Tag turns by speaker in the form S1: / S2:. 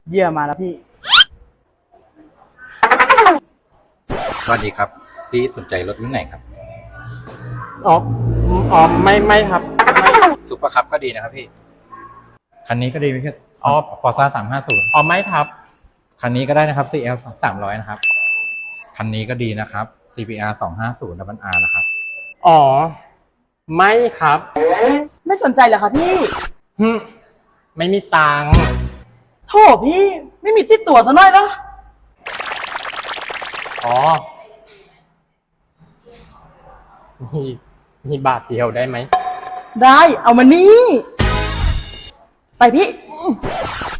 S1: เหยื่อมาแล้วพี่
S2: สวัสดีครับพี่สนใจรถรุ่นไหนครับ
S3: อ๋อไม่ครับไม่
S2: ซุปเปอร์คัพก็ดีนะครับพี่คันนี้ก็ดีไม่ใช่
S3: อ๋อ
S2: ฟอร์ซ่า350
S3: อ๋อไม่ครับ
S2: คันนี้ก็ได้นะครับ CL 300นะครับคันนี้ก็ดีนะครับ CBR 250 Double R นะครับ
S3: อ๋อ ไม่ครับ
S1: ไม่สนใจเหรอคะพี่
S3: หึไม่มีตังค์
S1: โถพี่ไม่มีติดตัวซะหน่อยนะ
S3: อ๋อมีมีบาทเดียวได้ไหม
S1: ได้เอามานี่ ไปพี่